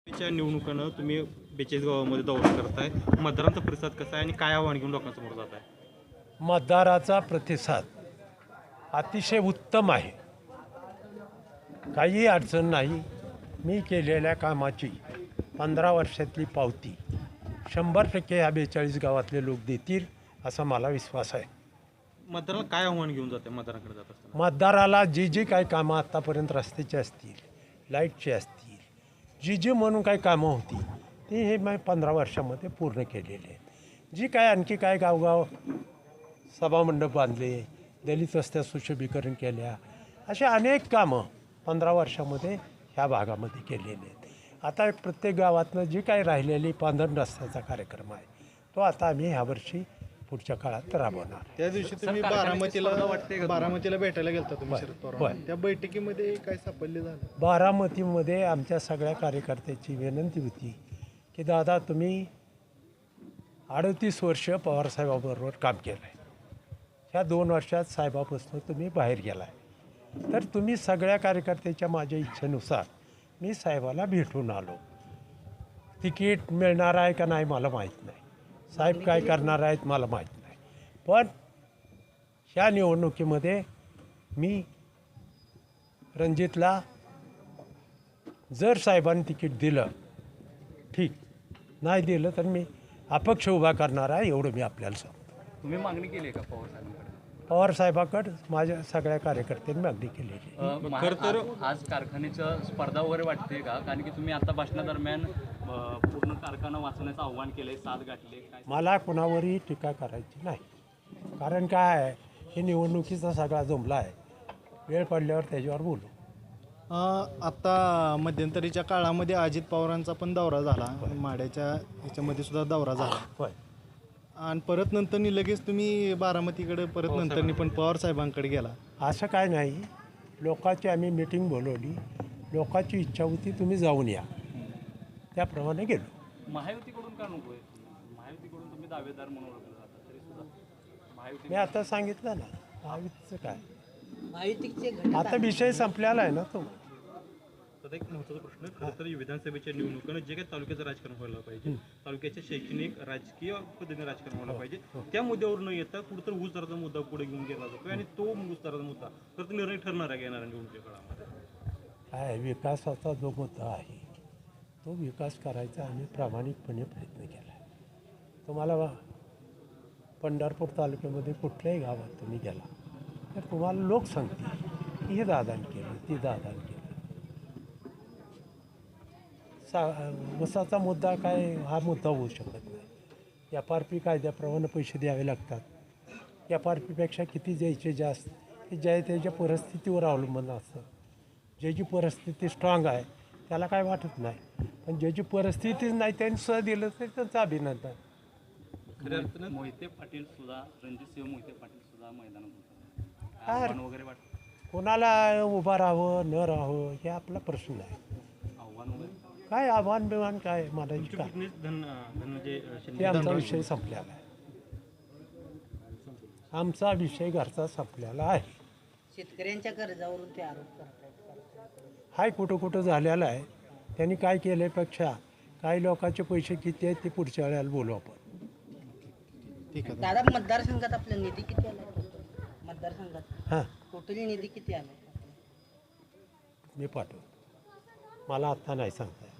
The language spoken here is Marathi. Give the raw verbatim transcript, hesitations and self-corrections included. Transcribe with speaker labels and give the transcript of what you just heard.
Speaker 1: च्या निवडणुकांना तुम्ही बेचाळीस गावामध्ये दौरा करताय, मतदारांचा प्रतिसाद कसा आहे आणि काय आव्हान घेऊन लोकांसमोर जात आहे?
Speaker 2: मतदाराचा प्रतिसाद अतिशय उत्तम आहे. काही अडचण नाही. मी केलेल्या कामाची पंधरा वर्षातली पावती शंभर टक्के ह्या बेचाळीस गावातले लोक देतील असा मला विश्वास आहे.
Speaker 1: मतदाराला काय आव्हान घेऊन जाते मतदारांकडे जात असताना?
Speaker 2: मतदाराला जी जी काही कामं आत्तापर्यंत रस्त्याची असतील, लाईटची असतील, जी जी म्हणून काही कामं होती ती हे मी पंधरा वर्षामध्ये पूर्ण केलेली आहेत. जी काय आणखी काय गावगाव सभामंडप बांधले, दलित वस्त्या सुशोभीकरण केल्या, अशी अनेक कामं पंधरा वर्षामध्ये ह्या भागामध्ये केलेली आहेत. आता प्रत्येक गावातनं जी काही राहिलेली पांधरण रस्त्याचा कार्यक्रम आहे तो आता आम्ही ह्यावर्षी पुढच्या काळात राबवणार.
Speaker 3: त्या दिवशी तुम्ही बारामतीला बारामतीला भेटायला गेलता तुम्ही शरद
Speaker 2: होय.
Speaker 3: पवार त्या बैठकीमध्ये काय सापडले झालं?
Speaker 2: बारामतीमध्ये आमच्या सगळ्या कार्यकर्त्याची विनंती होती की दादा तुम्ही अडतीस वर्ष पवारसाहेबाबरोबर काम केलं आहे. ह्या दोन वर्षात साहेबापासून तुम्ही बाहेर गेला आहे, तर तुम्ही सगळ्या कार्यकर्त्याच्या माझ्या इच्छेनुसार मी साहेबाला भेटून आलो. तिकीट मिळणार आहे का नाही मला माहीत नाही, साहेब काय करणार आहेत मला माहीत नाही, पण ह्या निवडणुकीमध्ये मी रणजितला जर साहेबांनी तिकीट दिलं ठीक, नाही दिलं तर मी अपक्ष उभा करणार आहे एवढं मी आपल्याला सांगतो.
Speaker 4: तुम्ही मागणी केली आहे का पवार साहेबांकडे?
Speaker 2: पवार साहेबाकडं माझ्या सगळ्या कार्यकर्त्यांनी मागणी केलेली आहे.
Speaker 4: अ, महा-
Speaker 1: खरं तर-
Speaker 4: आज- आज कारखान्याचं स्पर्धा वगैरे वाटते का? कारण की तुम्ही आता भाषणादरम्यान अ, पूर्ण कारखाना वाचवण्याचं आव्हान केलंय, साथ गाठले काय?
Speaker 2: मला कुणावरही टीका करायची नाही, कारण काय आहे हे निवडणुकीचा सगळा जमला आहे. वेळ पडल्यावर त्याच्यावर बोलू.
Speaker 3: अं, आता मध्यंतरीच्या काळामध्ये अजित पवारांचा पण दौरा झाला, माड्याच्या ह्याच्यामध्ये सुद्धा दौरा झाला
Speaker 2: होय.
Speaker 3: आणि परत नंतरनी लगेच तुम्ही बारामतीकडे परत नंतरनी पण पवार साहेबांकडे गेला.
Speaker 2: असं काय नाही, लोकांची आम्ही मिटिंग बोलवली, लोकांची इच्छा होती तुम्ही जाऊन या, त्याप्रमाणे गेलो.
Speaker 4: महायुतीकडून का नको आहे? महायुतीकडून तुम्ही दावेदार म्हणून ओळखले जाता तरी सुद्धा महायुती
Speaker 2: मी आता सांगितलं ना महायुतीचं काय,
Speaker 5: महायुतीचे घटक
Speaker 2: आता विषय संपलेला आहे ना तो.
Speaker 1: तर एक महत्त्वाचा प्रश्न, खरं तर विधानसभेच्या निवडणुकांना जे काही तालुक्याचं राजकारण व्हायला पाहिजे, तालुक्याच्या शैक्षणिक राजकीय पद्धतीने राजकारण व्हायला पाहिजे, त्या मुद्द्यावर न येता कुठंतरी ऊस दराचा मुद्दा पुढे घेऊन गेला जातो आणि तो ऊस दराचा मुद्दा खरं तर निर्णय ठरणार आहे येणाऱ्या निवडणुकीच्या काळामध्ये.
Speaker 2: काय विकासाचा जो मुद्दा आहे तो विकास करायचा आम्ही प्रामाणिकपणे प्रयत्न केला आहे. तुम्हाला वा- पंढरपूर तालुक्यामध्ये कुठल्याही गावात तुम्ही गेला तर तुम्हाला लोक सांगतील की हे दादान केलं, ती दादान केलं. सा ऊसाचा मुद्दा काय हा मुद्दा होऊ शकत नाही. एफ आर पी कायद्याप्रमाणे पैसे द्यावे लागतात. एफ आर पीपेक्षा किती द्यायचे जास्त हे ज्या त्याच्या परिस्थितीवर अवलंबून असतं. ज्याची परिस्थिती स्ट्रॉंग आहे त्याला काय वाटत नाही, पण ज्याची परिस्थितीच नाही त्यांनी सुद्धा दिलं तर त्यांचं अभिनंदन.
Speaker 1: खऱ्या अर्थानं
Speaker 4: मोहिते पाटील सुद्धा, रणजितसिंह मोहिते पाटील सुद्धा मैदानात होते,
Speaker 2: काय?
Speaker 4: आव्हान वगैरे वाटतं?
Speaker 2: कोणाला उभं राहावं न राहावं हे आपला प्रश्न आहे.
Speaker 4: आव्हान वगैरे
Speaker 2: काय आव्हान बिव्हान काय मला
Speaker 1: तुमचे
Speaker 2: काय
Speaker 1: पुतणे धन धनंजय
Speaker 2: ते
Speaker 1: शिंदे
Speaker 2: आमचा विषय संपलेला आहे. आमचा विषय घरचा संपलेला आहे.
Speaker 5: शेतकऱ्यांच्या कर्जावरून ते आरोप करतात.
Speaker 2: हाय कुठं कुठं झालेला आहे. त्यांनी काय केल्यापेक्षा काही लोकांचे पैसे किती आहेत ते पुढच्या वेळेला बोलू आपण.
Speaker 3: ठीक आहे.
Speaker 5: दादा मतदारसंघात आपला निधी किती आला? मतदारसंघात
Speaker 2: हां
Speaker 5: टोटली निधी किती आला?
Speaker 2: मी पाठवतो, मला आत्ता नाही सांगता येत.